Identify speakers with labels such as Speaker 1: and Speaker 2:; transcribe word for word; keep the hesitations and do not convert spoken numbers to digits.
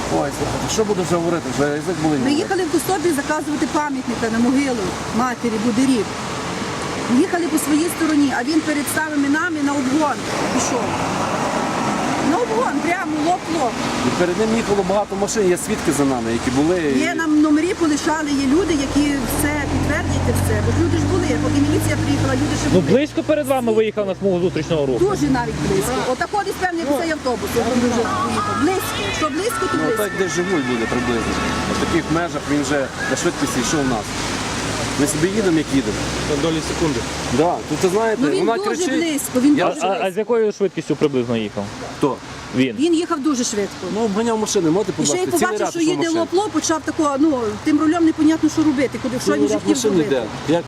Speaker 1: Ой, слухайте, що буду вже говорити? Вже язик болить.
Speaker 2: Ми їхали в Костопіль заказувати пам'ятника на могилу матері Будирів. Їхали по своїй стороні, а він перед самими нами на обгон пішов. На обгон, прямо лоб-лоб.
Speaker 1: І перед ним їхало багато машин, є свідки за нами, які були.
Speaker 2: Є нам номері полишали, є люди, які все підтвердять і все. Бо люди ж були, поки міліція приїхала, люди ще
Speaker 3: Ну
Speaker 2: були.
Speaker 3: близько перед вами виїхав на смугу зустрічного руху.
Speaker 2: Дуже навіть близько. Отако десь певний цей автобус, як він вже поїхав. Близько. Що близько, то
Speaker 1: Ну
Speaker 2: близько.
Speaker 1: так, де живуть люди приблизно. В таких межах він вже на швидкості йшов у нас. Ми собі їдемо, як їдемо.
Speaker 4: На долі секунди.
Speaker 1: Да. Тут, ви знаєте,
Speaker 2: Ну він
Speaker 1: вона
Speaker 2: дуже
Speaker 1: кричить.
Speaker 2: близько, він
Speaker 1: Я-
Speaker 2: дуже
Speaker 3: А, а
Speaker 2: близько.
Speaker 3: з якою швидкістю приблизно їхав?
Speaker 1: Хто?
Speaker 3: Він.
Speaker 2: Він їхав дуже швидко.
Speaker 1: Ну, обганяв машини, можете,
Speaker 2: І
Speaker 1: будь
Speaker 2: ще й
Speaker 1: ласка, цілий
Speaker 2: побачив,
Speaker 1: ряд
Speaker 2: що
Speaker 1: йшов
Speaker 2: їде
Speaker 1: машин.
Speaker 2: лопло, почав такого, ну, тим рулем непонятно, що робити, куди, що він
Speaker 1: Цілий
Speaker 2: вже
Speaker 1: ряд
Speaker 2: хотів
Speaker 1: машин
Speaker 2: робити.
Speaker 1: йде. Як